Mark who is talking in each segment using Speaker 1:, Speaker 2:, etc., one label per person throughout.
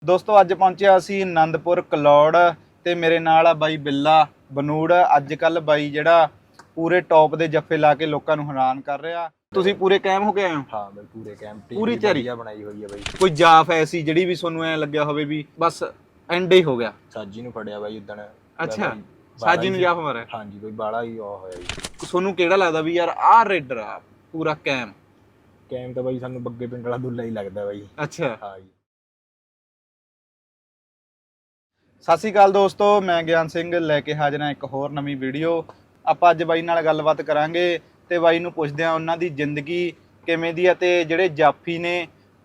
Speaker 1: ਦੋਸਤੋ ਅੱਜ ਪਹੁੰਚਿਆ ਅਸੀਂ ਆਨੰਦਪੁਰ ਕਲੌੜ ਤੇ ਮੇਰੇ ਨਾਲ ਆ ਬਾਈ ਬਿੱਲਾ ਬਨੂੜ। ਅੱਜ ਕੱਲ ਬਾਈ ਜਿਹੜਾ ਪੂਰੇ ਟੌਪ ਦੇ ਜੱਫੇ ਲਾ ਕੇ ਲੋਕਾਂ ਨੂੰ ਹੈਰਾਨ ਕਰ ਰਿਹਾ। ਤੁਸੀਂ ਪੂਰੇ ਕਾਇਮ ਹੋ ਕੇ ਆਏ ਹੋ?
Speaker 2: ਹਾਂ ਬਈ ਪੂਰੇ ਕੈਂਪ ਟੀਮ
Speaker 1: ਪੂਰੀ ਤਿਆਰੀ
Speaker 2: ਵਧੀਆ ਬਣਾਈ ਹੋਈ ਹੈ ਬਈ।
Speaker 1: ਕੋਈ ਜਾਫ ਐਸੀ ਜਿਹੜੀ ਵੀ ਤੁਹਾਨੂੰ ਐ ਲੱਗਿਆ ਹੋਵੇ ਵੀ ਬਸ ਐਂਡ ਹੀ ਹੋ ਗਿਆ?
Speaker 2: ਸਾਜੀ ਨੂੰ ਫੜਿਆ ਬਾਈ ਉਦਣ।
Speaker 1: ਅੱਛਾ, ਸਾਜੀ ਨੂੰ ਜਾਫ ਮਾਰਿਆ।
Speaker 2: ਹਾਂਜੀ ਬਈ ਬਾਲਾ ਹੀ ਉਹ ਹੋਇਆ ਜੀ।
Speaker 1: ਤੁਹਾਨੂੰ ਕਿਹੜਾ ਲੱਗਦਾ ਵੀ ਯਾਰ ਆਹ ਰੇਡਰ ਆ ਪੂਰਾ ਕੈਮ?
Speaker 2: ਕੈਂਪ ਤਾਂ ਬਾਈ ਸਾਨੂੰ ਬੱਗੇ ਪਿੰਡ ਵਾਲਾ ਦੁੱਲਾ ਹੀ ਲੱਗਦਾ ਬਾਈ।
Speaker 1: ਅੱਛਾ,
Speaker 2: ਹਾਂ ਜੀ।
Speaker 1: ਸਤਿ ਸ਼੍ਰੀ ਅਕਾਲ ਦੋਸਤੋ, ਮੈਂ ਗਿਆਨ ਸਿੰਘ ਲੈ ਕੇ ਹਾਜ਼ਰ ਹਾਂ ਇੱਕ ਹੋਰ ਨਵੀਂ ਵੀਡੀਓ। ਆਪਾਂ ਅੱਜ ਬਾਈ ਨਾਲ ਗੱਲਬਾਤ ਕਰਾਂਗੇ ਤੇ ਬਾਈ ਨੂੰ ਪੁੱਛਦੇ ਹਾਂ ਉਹਨਾਂ ਦੀ ਜ਼ਿੰਦਗੀ ਕਿਵੇਂ ਦੀ ਆ ਤੇ ਜਿਹੜੇ ਜਾਫੀ ਨੇ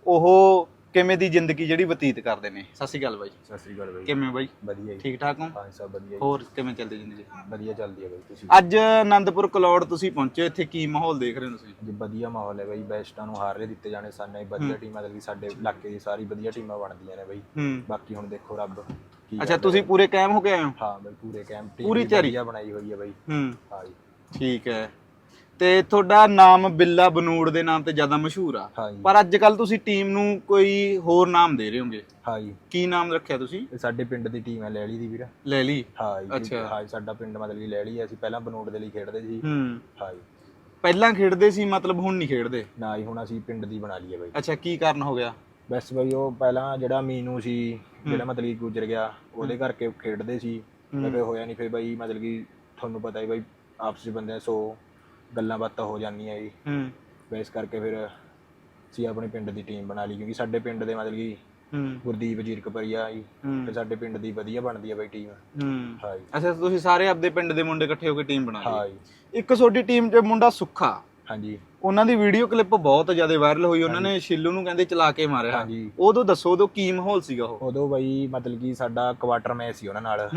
Speaker 1: ਉਹ ਕਿਵੇਂ ਦੀ ਜ਼ਿੰਦਗੀ ਜਿਹੜੀ ਬਤੀਤ ਕਰਦੇ ਨੇ। ਸਤਿ ਸ਼੍ਰੀ ਅਕਾਲ ਬਾਈ।
Speaker 2: ਸਤਿ ਸ੍ਰੀ ਅਕਾਲ ਬਾਈ।
Speaker 1: ਕਿਵੇਂ ਬਾਈ?
Speaker 2: ਵਧੀਆ ਜੀ।
Speaker 1: ਠੀਕ ਠਾਕ ਹੋ?
Speaker 2: ਹਾਂ ਸਭ ਵਧੀਆ।
Speaker 1: ਹੋਰ ਕਿਵੇਂ ਚੱਲਦੀ ਜ਼ਿੰਦਗੀ?
Speaker 2: ਵਧੀਆ ਚੱਲਦੀ ਹੈ ਬਾਈ। ਤੁਸੀਂ
Speaker 1: ਅੱਜ ਆਨੰਦਪੁਰ ਕਲੌੜ ਤੁਸੀਂ ਪਹੁੰਚੇ, ਇੱਥੇ ਕੀ ਮਾਹੌਲ ਦੇਖ ਰਹੇ ਹੋ ਤੁਸੀਂ?
Speaker 2: ਜੀ ਵਧੀਆ ਮਾਹੌਲ ਹੈ ਬਾਈ। ਬੈਸਟਾਂ ਨੂੰ ਹਾਰਲੇ ਦਿੱਤੇ ਜਾਣੇ ਸਾਨੇ ਵਧੀਆ ਟੀਮ ਮਤਲਬ ਕਿ ਸਾਡੇ ਇਲਾਕੇ ਦੀ ਸਾਰੀ ਵਧੀਆ ਟੀਮਾਂ ਬਣਦੀਆਂ ਨੇ ਬਾਈ। ਬਾਕੀ ਹੁਣ ਦੇਖੋ ਰੱਬ ਕੀ।
Speaker 1: ਅੱਛਾ, ਤੁਸੀਂ ਪੂਰੇ ਕਾਇਮ ਹੋ ਕੇ ਆਏ ਹੋ?
Speaker 2: ਹਾਂ ਬਾਈ ਪੂਰੇ ਕੈਂਪ ਟੀਮ
Speaker 1: ਪੂਰੀ ਤਿਆਰੀ
Speaker 2: ਵਧੀਆ ਬਣਾਈ ਹੋਈ ਹੈ ਬਾਈ। ਹਾਂ ਜੀ।
Speaker 1: ਠੀਕ ਹੈ। ਤੇ ਤੁਹਾਡਾ ਨਾਮ ਬਿੱਲਾ ਬਨੂੜ ਦੇ ਨਾਮ ਤੇ ਜ਼ਿਆਦਾ ਮਸ਼ਹੂਰ ਆ,
Speaker 2: ਹਾਂ ਜੀ।
Speaker 1: ਪਰ ਅੱਜ ਕੱਲ ਤੁਸੀਂ ਟੀਮ ਨੂੰ ਕੋਈ ਹੋਰ ਨਾਮ ਦੇ ਰਹੇ ਹੋਗੇ।
Speaker 2: ਹਾਂ ਜੀ।
Speaker 1: ਕੀ ਨਾਮ ਰੱਖਿਆ ਤੁਸੀਂ?
Speaker 2: ਇਹ ਸਾਡੇ ਪਿੰਡ ਦੀ ਟੀਮ ਹੈ ਲੈਲੀ ਦੀ ਵੀਰ।
Speaker 1: ਲੈ ਲਈ?
Speaker 2: ਹਾਂ ਜੀ।
Speaker 1: ਅੱਛਾ।
Speaker 2: ਹਾਂ ਸਾਡਾ ਪਿੰਡ ਮਤਲਬ ਕਿ ਲੈਲੀ ਹੈ। ਅਸੀਂ ਪਹਿਲਾਂ ਬਨੂੜ ਦੇ ਲਈ ਖੇਡਦੇ ਸੀ। ਹਾਂ ਜੀ।
Speaker 1: ਪਹਿਲਾਂ ਖੇਡਦੇ ਸੀ ਮਤਲਬ ਹੁਣ ਨਹੀਂ ਖੇਡਦੇ?
Speaker 2: ਨਾ ਹੀ ਹੁਣ ਅਸੀਂ ਪਿੰਡ ਦੀ ਬਣਾ ਲਈ ਹੈ ਬਾਈ।
Speaker 1: ਅੱਛਾ, ਕੀ ਕਾਰਨ ਹੋ ਗਿਆ?
Speaker 2: ਬਸ ਬਾਈ ਉਹ ਪਹਿਲਾਂ ਜਿਹੜਾ ਮੀਨੂ ਸੀ ਜਿਹੜਾ ਮਤਲਬ ਕਿ ਗੁਜ਼ਰ ਗਿਆ ਉਹਦੇ ਕਰਕੇ ਖੇਡਦੇ ਸੀ। ਫਿਰ ਹੋਇਆ ਨਹੀਂ। ਫਿਰ ਬਾਈ ਮਤਲਬ ਕਿ ਤੁਹਾਨੂੰ ਪਤਾ ਹੀ ਬਾਈ ਆਪਸ ਵਿੱਚ ਬੰਦੇ 100 ਗੱਲਾਂ ਬਾਤਾਂ ਹੋ ਜਾਂਦੀਆਂ ਜੀ। ਇਸ ਕਰਕੇ ਫਿਰ ਅਸੀਂ ਆਪਣੇ ਪਿੰਡ ਦੀ ਟੀਮ ਬਣਾ ਲਈ ਕਿਉਂਕਿ ਸਾਡੇ ਪਿੰਡ ਦੇ ਮਤਲਬ ਕਿ ਗੁਰਦੀਪ ਜੀਰਕਪੁਰੀਆ ਜੀ ਤੇ ਸਾਡੇ ਪਿੰਡ ਦੀ ਵਧੀਆ ਬਣਦੀ ਹੈ ਬਾਈ ਟੀਮ। ਹਾਂ ਜੀ।
Speaker 1: ਅੱਛਾ, ਤੁਸੀਂ ਸਾਰੇ ਆਪਦੇ ਪਿੰਡ ਦੇ ਮੁੰਡੇ ਇਕੱਠੇ ਹੋ ਕੇ ਟੀਮ ਬਣਾ ਲਈ?
Speaker 2: ਹਾਂ ਜੀ।
Speaker 1: ਇੱਕ ਤੁਹਾਡੀ ਟੀਮ 'ਚ ਮੁੰਡਾ ਸੁੱਖਾ,
Speaker 2: ਹਾਂਜੀ।
Speaker 1: ਉਹਨਾਂ ਦੀ ਵੀਡੀਓ ਕਲਿੱਪ ਬਹੁਤ ਜ਼ਿਆਦਾ ਵਾਇਰਲ ਹੋਈ। ਉਹਨਾਂ ਨੇ ਸ਼ਿੱਲੂ ਨੂੰ ਕਹਿੰਦੇ ਚਲਾ ਕੇ ਮਾਰਿਆ।
Speaker 2: ਹਾਂਜੀ।
Speaker 1: ਉਦੋਂ ਦੱਸੋ ਉਦੋਂ ਕੀ ਮਾਹੌਲ ਸੀਗਾ ਉਹ?
Speaker 2: ਉਦੋਂ ਬਾਈ ਮਤਲਬ ਕਿ ਸਾਡਾ ਕੁਆਟਰ ਮੈਚ ਸੀ ਉਹਨਾਂ ਨਾਲ।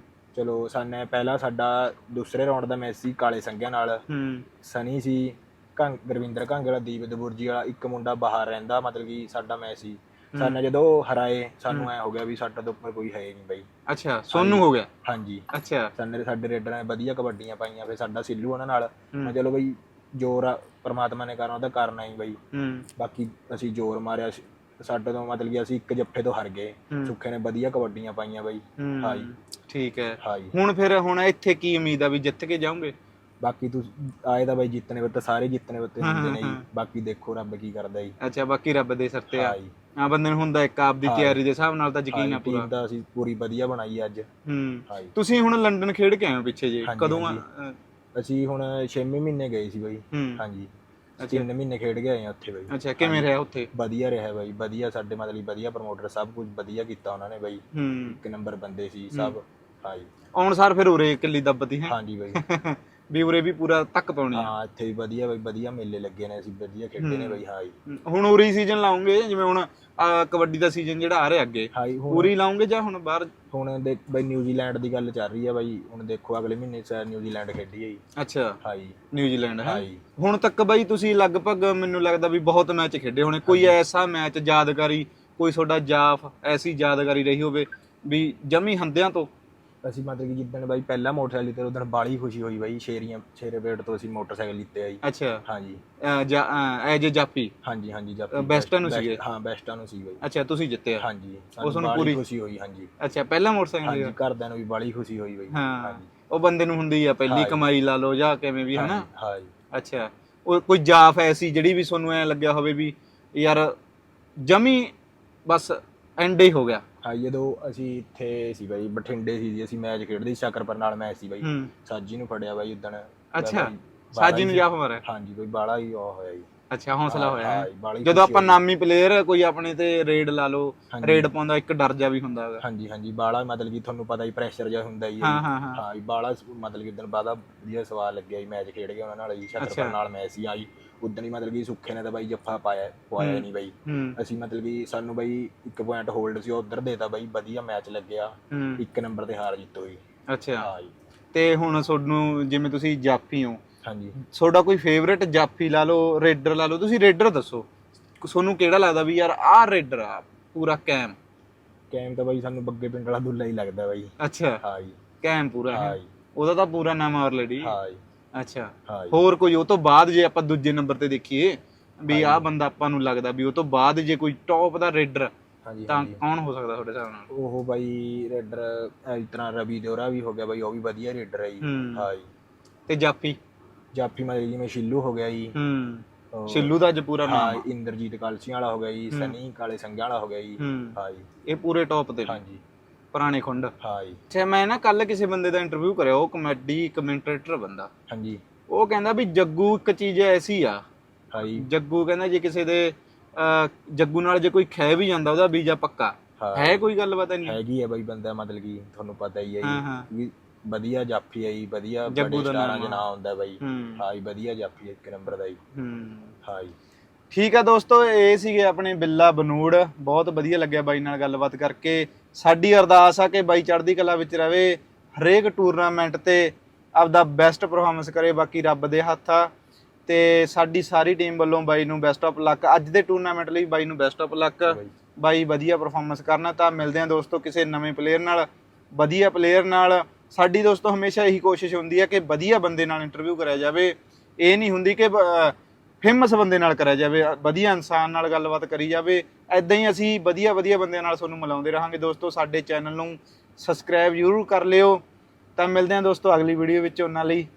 Speaker 2: ਚਲੋ ਸਾਨੇ ਪਹਿਲਾਂ ਸਾਡਾ ਦੂਸਰੇ ਰਾਉਂਡ ਦਾ ਮੈਚ ਸੀ ਕਾਲੇ ਸੰਘਿਆਂ ਨਾਲ। ਸਨੀ ਸੀ, ਗੁਰਵਿੰਦਰ ਕਾਂਗੜਾ, ਦੀਪ ਦਬੁਰਜੀ ਵਾਲਾ, ਇੱਕ ਮੁੰਡਾ ਬਾਹਰ ਰਹਿੰਦਾ ਮਤਲਬ ਕਿ ਸਾਡਾ ਮੈਚ ਸੀ। ਸਾਨੇ ਜਦੋਂ ਹਰਾਏ ਸਾਨੂੰ ਐ ਹੋ ਗਿਆ ਵੀ ਸਾਡਾ ਤੋਂ ਉੱਪਰ ਕੋਈ ਹੈ ਨਹੀਂ ਬਾਈ।
Speaker 1: ਅੱਛਾ, ਸੋਨੂੰ ਹੋ ਗਿਆ?
Speaker 2: ਹਾਂਜੀ।
Speaker 1: ਅੱਛਾ।
Speaker 2: ਸਾਡੇ ਰੇਡਰਾਂ ਨੇ ਵਧੀਆ ਕਬੱਡੀਆਂ ਪਾਈਆਂ। ਫਿਰ ਸਾਡਾ ਸਿੱਲੂ ਉਹਨਾਂ ਨਾਲ। ਮੈਂ ਚਲੋ ਬਈ ਜ਼ੋਰ ਪਰਮਾਤਮਾ ਨੇ ਕਰਨਾ ਉਹਦਾ ਕਰਨਾ ਹੀ ਬਾਈ। ਬਾਕੀ ਅਸੀਂ ਜ਼ੋਰ ਮਾਰਿਆ। ਸਾਡੇ ਤੋਂ ਮਤਲਬ ਕਿ ਅਸੀਂ ਇੱਕ ਜੱਫੇ ਤੋਂ ਹਾਰ ਗਏ। ਸੁੱਖੇ ਨੇ ਵਧੀਆ ਕਬੱਡੀਆਂ ਪਾਈਆਂ ਬਾਈ। ਹਾਂ ਜੀ।
Speaker 1: ਠੀਕ ਹੈ।
Speaker 2: ਹਾਂ ਜੀ।
Speaker 1: ਹੁਣ ਇੱਥੇ ਕੀ ਉਮੀਦ ਆ ਵੀ ਜਿੱਤ ਕੇ ਜਾਓਗੇ?
Speaker 2: ਬਾਕੀ ਤੁਸੀਂ ਆਏ ਤਾਂ ਬਾਈ ਜਿੱਤਨੇ ਬੱਤੇ ਸਾਰੇ ਜਿੱਤਨੇ ਬੱਤੇ ਹੁੰਦੇ ਨੇ ਜੀ। ਬਾਕੀ ਦੇਖੋ ਰੱਬ ਕੀ ਕਰਦਾ ਜੀ।
Speaker 1: ਅੱਛਾ, ਬਾਕੀ ਰੱਬ ਦੇ ਸਿਰ ਤੇ ਆ।
Speaker 2: ਹਾਂ ਜੀ।
Speaker 1: ਆ ਬੰਦੇ ਨੂੰ ਹੁੰਦਾ ਇੱਕ ਆਪਦੀ ਤਿਆਰੀ ਦੇ ਹਿਸਾਬ ਨਾਲ ਤਾਂ ਯਕੀਨ ਆ ਪੂਰਾ।
Speaker 2: ਟੀਮ ਤਾਂ ਅਸੀਂ ਪੂਰੀ ਵਧੀਆ ਬਣਾਈ ਅੱਜ। ਹਾਂ ਜੀ।
Speaker 1: ਤੁਸੀਂ ਹੁਣ ਲੰਡਨ ਖੇਡ ਕੇ ਆਏ ਹੋ ਪਿੱਛੇ ਜੇ, ਕਦੋਂ ਆ?
Speaker 2: ਅਸੀਂ ਹੁਣ 6ਵੇਂ ਮਹੀਨੇ ਗਏ ਸੀ ਬਾਈ। ਹਾਂ ਜੀ। 3 ਮਹੀਨੇ ਖੇਡ ਕੇ ਆਏ ਆ ਉੱਥੇ ਬਾਈ।
Speaker 1: ਅੱਛਾ, ਕਿਵੇਂ ਰਿਹਾ ਉੱਥੇ?
Speaker 2: ਵਧੀਆ ਰਿਹਾ ਬਾਈ। ਵਧੀਆ ਸਾਡੇ ਮਤਲਬ ਵਧੀਆ ਪ੍ਰਮੋਟਰ ਸਭ ਕੁਝ ਵਧੀਆ ਕੀਤਾ ਉਹਨਾਂ ਨੇ ਬਾਈ। ਇੱਕ ਨੰਬਰ ਬੰਦੇ ਸੀ ਸਭ। ਹਾਂ ਜੀ।
Speaker 1: ਆਉਣ ਸਾਰ ਫਿਰ ਉਰੇ ਕਿੱਲੀ ਦੱਬਤੀ ਹੈ?
Speaker 2: ਹਾਂ ਜੀ ਬਾਈ।
Speaker 1: ਵੀ ਉਰੇ ਵੀ ਪੂਰਾ ਤੱਕ ਪਾਉਣੀ?
Speaker 2: ਹਾਂ ਇੱਥੇ ਵੀ ਵਧੀਆ ਬਾਈ ਵਧੀਆ ਮੇਲੇ ਲੱਗੇ ਨੇ। ਅਸੀਂ ਵਧੀਆ ਖੇਡੇ ਨੇ ਬਾਈ। ਹਾਂ ਜੀ।
Speaker 1: ਹੁਣ ਉਰੇ ਸੀਜ਼ਨ ਲਾਉਂਗੇ ਜਿਵੇਂ ਹੁਣ ਕਬੱਡੀ ਦਾ ਸੀਜ਼ਨ ਜਿਹੜਾ ਆ ਰਿਹਾ ਅੱਗੇ, ਪੂਰੀ ਲਾਉਂਗੇ ਜਾਂ ਹੁਣ ਬਾਹਰ?
Speaker 2: ਹੁਣ ਦੇਖ ਬਾਈ ਨਿਊਜ਼ੀਲੈਂਡ ਦੀ ਗੱਲ ਚੱਲ ਰਹੀ ਹੈ ਬਾਈ। ਹੁਣ ਦੇਖੋ ਅਗਲੇ ਮਹੀਨੇ ਸ਼ਾਇਦ ਨਿਊਜ਼ੀਲੈਂਡ ਖੇਡੀ ਹੈ ਜੀ।
Speaker 1: ਅੱਛਾ।
Speaker 2: ਹਾਂ ਜੀ।
Speaker 1: ਨਿਊਜ਼ੀਲੈਂਡ ਹੈ।
Speaker 2: ਹਾਂ ਜੀ।
Speaker 1: ਹੁਣ ਤੱਕ ਬਾਈ ਤੁਸੀਂ ਲਗਭਗ ਮੈਨੂੰ ਲੱਗਦਾ ਵੀ ਬਹੁਤ ਮੈਚ ਖੇਡੇ ਹੋਣੇ। ਕੋਈ ਐਸਾ ਮੈਚ ਯਾਦਗਾਰੀ, ਕੋਈ ਤੁਹਾਡਾ ਜਾਫ ਐਸੀ ਯਾਦਗਾਰੀ ਰਹੀ ਹੋਵੇ ਵੀ ਜਮੀ ਹੰਦਿਆਂ ਤੋਂ? ਅਸੀਂ
Speaker 2: ਮਤਲਬ ਕਿ ਜਿੱਦਣ ਬਾਈ ਪਹਿਲਾ ਮੋਟਰਸਾਈਕਲ ਲਿੱਤੇ ਉਦੋਂ ਬਾਲੀ ਖੁਸ਼ੀ ਹੋਈ ਬਾਈ। ਸ਼ੇਰੇ ਪੇਟ ਤੋਂ ਅਸੀਂ ਮੋਟਰਸਾਈਕਲ ਲਿੱਤੇ ਆ ਜੀ।
Speaker 1: ਅੱਛਾ।
Speaker 2: ਹਾਂ ਜੀ।
Speaker 1: ਐਜ ਜਾਫੀ?
Speaker 2: ਹਾਂਜੀ ਹਾਂਜੀ ਜਾਫੀ।
Speaker 1: ਬੈਸਟਾਂ ਨੂੰ ਸੀਗੇ?
Speaker 2: ਹਾਂ ਬੈਸਟਾਂ ਨੂੰ ਸੀ ਬਾਈ।
Speaker 1: ਅੱਛਾ, ਤੁਸੀਂ ਜਿੱਤੇ?
Speaker 2: ਹਾਂ ਜੀ।
Speaker 1: ਸਾਨੂੰ ਪੂਰੀ
Speaker 2: ਖੁਸ਼ੀ ਹੋਈ। ਹਾਂ ਜੀ।
Speaker 1: ਅੱਛਾ, ਪਹਿਲਾ ਮੋਟਰਸਾਈਕਲ?
Speaker 2: ਹਾਂ ਜੀ। ਘਰਦਿਆਂ ਨੂੰ ਵੀ ਬਾਲੀ ਖੁਸ਼ੀ ਹੋਈ ਬਾਈ।
Speaker 1: ਹਾਂ ਜੀ। ਉਹ ਬੰਦੇ ਨੂੰ ਹੁੰਦੀ ਆ ਪਹਿਲੀ ਕਮਾਈ ਲਾ ਲਓ ਜਾਂ ਕਿਵੇਂ ਵੀ, ਹਨਾ?
Speaker 2: ਹਾਂ ਜੀ।
Speaker 1: ਅੱਛਾ, ਉਹ ਕੋਈ ਜਾਫ ਐਸੀ ਜਿਹੜੀ ਵੀ ਤੁਹਾਨੂੰ ਐ ਲੱਗਿਆ ਹੋਵੇ ਵੀ ਯਾਰ ਜਮੀ ਬਸ ਐਂਡ ਹੀ ਹੋ ਗਿਆ?
Speaker 2: ਹਾਂ, ਜਦੋਂ ਅਸੀਂ ਇੱਥੇ ਸੀ ਬਾਈ ਬਠਿੰਡੇ ਸੀ, ਅਸੀਂ ਮੈਚ ਖੇਡਦੇ ਸੀ ਸ਼ਕਰਪੁਰ ਨਾਲ ਮੈਚ ਸੀ ਬਾਈ। ਸਾਜੀ ਨੂੰ ਫੜਿਆ ਬਾਈ ਉਦਣ।
Speaker 1: ਅੱਛਾ, ਸਾਜੀ ਨੂੰ ਜਾਫ ਮਾਰਿਆ?
Speaker 2: ਹਾਂ ਜੀ ਬਾਈ ਬਾਲਾ ਹੀ ਉਹ ਹੋਇਆ ਜੀ।
Speaker 1: ਅੱਛਾ, ਹੌਸਲਾ ਹੋਇਆ ਜਦੋਂ ਆਪਾਂ ਨਾਮੀ ਪਲੇਅਰ ਕੋਈ ਆਪਣੇ ਤੇ ਰੇਡ ਲਾ ਲਓ, ਰੇਡ ਪਾਉਂਦਾ ਇੱਕ ਡਰ ਜਾ ਵੀ ਹੁੰਦਾ ਹੈਗਾ।
Speaker 2: ਹਾਂਜੀ ਹਾਂਜੀ। ਬਾਲਾ ਮਤਲਬ ਕਿ ਤੁਹਾਨੂੰ ਪਤਾ ਹੀ ਪ੍ਰੈਸ਼ਰ ਜਿਹਾ ਹੁੰਦਾ ਜੀ। ਹਾਂ ਜੀ। ਬਾਲਾ ਮਤਲਬ ਕਿ ਉਦਣ ਬਾਦਾ ਵਧੀਆ ਸਵਾਦ ਲੱਗਿਆ ਜੀ। ਮੈਚ ਖੇਡ ਕੇ ਉਹਨਾਂ ਨਾਲ ਜੀ ਸ਼ਕਰਪੁਰ ਨਾਲ ਮੈਚ ਸੀ ਆਈ ਉਦਣ ਹੀ। ਮਤਲਬ ਕਿ ਸੁੱਖੇ ਨੇ ਤਾਂ ਬਾਈ ਜੱਫਾ ਪਵਾਇਆ ਨਹੀਂ ਬਾਈ। ਅਸੀਂ ਮਤਲਬ ਕਿ ਸਾਨੂੰ ਬਾਈ 1 ਪੁਆਇੰਟ ਹੋਲਡ ਸੀ, ਉਧਰ ਦੇਤਾ ਬਾਈ। ਵਧੀਆ ਮੈਚ ਲੱਗਿਆ। 1 ਨੰਬਰ ਤੇ ਹਾਰ ਜਿੱਤ ਹੋਈ।
Speaker 1: ਅੱਛਾ। ਹਾਂ ਜੀ। ਤੇ ਹੁਣ ਤੁਹਾਨੂੰ ਜਿਵੇਂ ਤੁਸੀਂ ਜਾਫੀ ਹੋ,
Speaker 2: ਹਾਂਜੀ,
Speaker 1: ਤੁਹਾਡਾ ਕੋਈ ਫੇਵਰੇਟ ਜਾਫੀ ਲਾ ਲਓ, ਰੇਡਰ ਲਾ ਲਓ, ਤੁਸੀਂ ਰੇਡਰ ਦੱਸੋ ਤੁਹਾਨੂੰ ਕਿਹੜਾ ਲੱਗਦਾ ਵੀ ਯਾਰ ਆਹ ਰੇਡਰ ਆ ਪੂਰਾ ਕੈਮ
Speaker 2: ਤਾਂ ਬਾਈ ਸਾਨੂੰ ਬੱਗੇ ਪਿੰਡ ਵਾਲਾ ਦੁੱਲਾ ਹੀ ਲੱਗਦਾ ਬਾਈ।
Speaker 1: ਅੱਛਾ।
Speaker 2: ਹਾਂ ਜੀ।
Speaker 1: ਕੈਮ ਪੂਰਾ?
Speaker 2: ਹਾਂ ਜੀ।
Speaker 1: ਉਹਦਾ ਤਾਂ ਪੂਰਾ ਨਾਮ ਆਲਰੇਡੀ।
Speaker 2: ਹਾਂ ਜੀ।
Speaker 1: ਅੱਛਾ।
Speaker 2: ਹਾਂ ਜੀ।
Speaker 1: ਹੋਰ ਕੋਈ ਉਹ ਤੋਂ ਬਾਅਦ ਜੇ ਆਪਾਂ ਦੂਜੇ ਨੰਬਰ ਤੇ ਦੇਖੀਏ ਵੀ ਆਹ ਬੰਦਾ ਆਪਾਂ ਨੂੰ ਲੱਗਦਾ ਵੀ ਉਹ ਤੋਂ ਬਾਅਦ ਜੇ ਕੋਈ ਟੌਪ ਦਾ ਰੇਡਰ
Speaker 2: ਹਾਂਜੀ
Speaker 1: ਤਾਂ
Speaker 2: ਹਾਂਜੀ
Speaker 1: ਕੌਣ ਹੋ ਸਕਦਾ ਤੁਹਾਡੇ ਹਿਸਾਬ ਨਾਲ?
Speaker 2: ਉਹ ਬਾਈ ਰੇਡਰ ਇਸ ਤਰ੍ਹਾਂ ਰਵੀ ਦਿਓਰਾ ਵੀ ਹੋ ਗਿਆ ਬਾਈ, ਉਹ ਵੀ ਵਧੀਆ ਰੇਡਰ ਹੈ ਜੀ। ਹਾਂ ਜੀ।
Speaker 1: ਤੇ ਜਾਫੀ?
Speaker 2: ਜਾਫੀ ਮਤਲਬ ਜਿਵੇਂ ਸ਼ਿੱਲੂ ਹੋ ਗਿਆ ਜੀ।
Speaker 1: ਸ਼ਿੱਲੂ ਦਾ ਅੱਜ ਪੂਰਾ ਨਾਮ
Speaker 2: ਹਾਂ, ਇੰਦਰਜੀਤ ਕਾਲਸੀਆਂ ਵਾਲਾ ਹੋ ਗਿਆ ਜੀ, ਸਨੀ ਕਾਲੇ ਸੰਘਿਆਂ ਵਾਲਾ ਹੋ ਗਿਆ ਜੀ। ਹਾਂ ਜੀ,
Speaker 1: ਇਹ ਪੂਰੇ ਟੌਪ ਤੇ ਨੇ।
Speaker 2: ਹਾਂਜੀ
Speaker 1: ਪੁਰਾਣੇ ਖੁੰਡ।
Speaker 2: ਹਾਂ ਜੀ।
Speaker 1: ਅੱਛਾ, ਮੈਂ ਨਾ ਕੱਲ ਕਿਸੇ ਬੰਦੇ ਦਾ ਇੰਟਰਵਿਊ ਕਰਿਆ, ਉਹ ਕਮੇਡੀ ਕਮੈਂਟੇਟਰ ਬੰਦਾ।
Speaker 2: ਹਾਂਜੀ।
Speaker 1: ਉਹ ਕਹਿੰਦਾ ਵੀ ਜੱਗੂ ਇੱਕ ਚੀਜ਼ ਐਸੀ ਆ।
Speaker 2: ਹਾਂ ਜੀ।
Speaker 1: ਜੱਗੂ ਕਹਿੰਦਾ ਜੇ ਕਿਸੇ ਦੇ ਜੱਗੂ ਨਾਲ ਜੇ ਕੋਈ ਖਹਿ ਵੀ ਜਾਂਦਾ ਉਹਦਾ ਵੀਜ਼ਾ ਪੱਕਾ ਹੈ। ਕੋਈ ਗੱਲਬਾਤ ਨਹੀਂ
Speaker 2: ਹੈਗੀ ਹੈ ਬਾਈ, ਬੰਦਾ ਮਤਲਬ ਕਿ ਤੁਹਾਨੂੰ ਪਤਾ ਹੀ ਹੈ ਜੀ, ਵਧੀਆ ਜਾਫੀ ਹੈ ਜੀ, ਵਧੀਆ
Speaker 1: ਜੱਗੂ
Speaker 2: ਬੜੇ
Speaker 1: ਦਾ
Speaker 2: ਸਟਾਰਾਂ 'ਚ
Speaker 1: ਨਾਮ
Speaker 2: ਨਾਂ ਹੁੰਦਾ ਬਾਈ। ਹਾਂ ਜੀ, ਵਧੀਆ ਜਾਫੀ ਇੱਕ ਨੰਬਰ ਦਾ ਜੀ। ਹਾਂ ਜੀ।
Speaker 1: ਠੀਕ ਆ ਦੋਸਤੋ, ਇਹ ਸੀਗੇ ਆਪਣੇ ਬਿੱਲਾ ਬਨੂੜ। ਬਹੁਤ ਵਧੀਆ ਲੱਗਿਆ ਬਾਈ ਨਾਲ ਗੱਲਬਾਤ ਕਰਕੇ। ਸਾਡੀ ਅਰਦਾਸ ਆ ਕਿ ਬਾਈ ਚੜ੍ਹਦੀ ਕਲਾ ਵਿੱਚ ਰਵੇ, ਹਰੇਕ ਟੂਰਨਾਮੈਂਟ ਤੇ ਆਪਦਾ ਬੈਸਟ ਪਰਫਾਰਮੈਂਸ ਕਰੇ। ਬਾਕੀ ਰੱਬ ਦੇ ਹੱਥ ਆ, ਤੇ ਸਾਡੀ ਸਾਰੀ ਟੀਮ ਵੱਲੋਂ ਬਾਈ ਨੂੰ ਬੈਸਟ ਆਫ ਲੱਕ। ਅੱਜ ਦੇ ਟੂਰਨਾਮੈਂਟ ਲਈ ਬਾਈ ਨੂੰ ਬੈਸਟ ਆਫ ਲੱਕ। ਬਾਈ ਵਧੀਆ ਪਰਫਾਰਮੈਂਸ ਕਰਨਾ। ਤਾਂ ਮਿਲਦੇ ਆ ਦੋਸਤੋ ਕਿਸੇ ਨਵੇਂ ਪਲੇਅਰ ਨਾਲ, ਵਧੀਆ ਪਲੇਅਰ ਨਾਲ। ਸਾਡੀ ਦੋਸਤੋ ਹਮੇਸ਼ਾ ਇਹੀ ਕੋਸ਼ਿਸ਼ ਹੁੰਦੀ ਹੈ ਕਿ ਵਧੀਆ ਬੰਦੇ ਨਾਲ ਇੰਟਰਵਿਊ ਕਰਿਆ ਜਾਵੇ। ਇਹ ਨਹੀਂ ਹੁੰਦੀ ਕਿ ਫੇਮਸ ਬੰਦੇ ਨਾਲ ਕਰਿਆ ਜਾਵੇ, ਵਧੀਆ ਇਨਸਾਨ ਨਾਲ ਗੱਲਬਾਤ ਕਰੀ ਜਾਵੇ। ਐਦਾਂ ਹੀ ਅਸੀਂ ਵਧੀਆ ਵਧੀਆ ਬੰਦਿਆਂ ਨਾਲ ਤੁਹਾਨੂੰ ਮਿਲਾਉਂਦੇ ਰਹਾਂਗੇ ਦੋਸਤੋ। ਸਾਡੇ ਚੈਨਲ ਨੂੰ ਸਬਸਕ੍ਰਾਈਬ ਜ਼ਰੂਰ ਕਰ ਲਿਓ। ਤਾਂ ਮਿਲਦੇ ਹਾਂ ਦੋਸਤੋ ਅਗਲੀ ਵੀਡੀਓ ਵਿੱਚ। ਉਹਨਾਂ ਲਈ